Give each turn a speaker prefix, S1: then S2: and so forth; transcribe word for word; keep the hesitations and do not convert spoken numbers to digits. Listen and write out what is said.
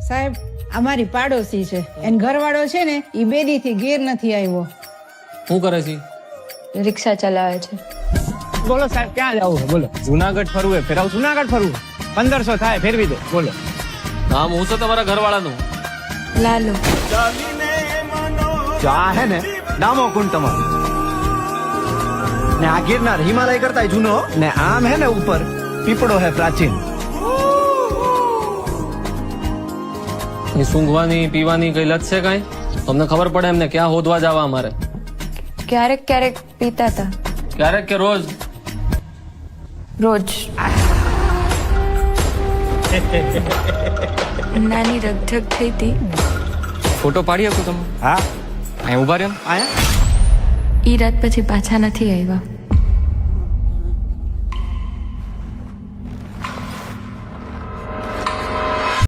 S1: સાહેબ અમારી પાડોશી છે એન ઘરવાળો છે ને ઈ બેદી થી ઘેર નથી આવ્યો.
S2: શું કરે છે?
S3: રિક્ષા ચલાવે છે.
S4: બોલો સાહેબ ક્યાં જવું છે બોલો? જુનાગઢ ફરવું ફેરાવ જુનાગઢ ફરવું પંદરસો થાય ફેરવી દે બોલો.
S2: નામ હું છે તમારા ઘરવાળાનું?
S3: લાલો.
S5: જો આ હે ને ડામો કુંડ તમારો ને આ ગિરનાર હિમાલય કરતા જૂનો ને આમ હે ને ઉપર પીપળો હે પ્રાચીન.
S2: એ સૂંઘવાની પીવાની કઈ લત છે કઈ? તમને ખબર પડે એમને ક્યાં હોદવા જવા અમારે?
S3: ક્યારેક ક્યારેક પીતા હતા.
S2: ક્યારેક કે રોજ?
S3: રોજ. નાની રગઝગ થઈ હતી.
S2: ફોટો પાડી શકું તમે?
S5: હા
S2: અહીં ઉભા રહ્યો.
S5: આયા
S3: ઈ રાત પછી પાછા નથી આવ્યા.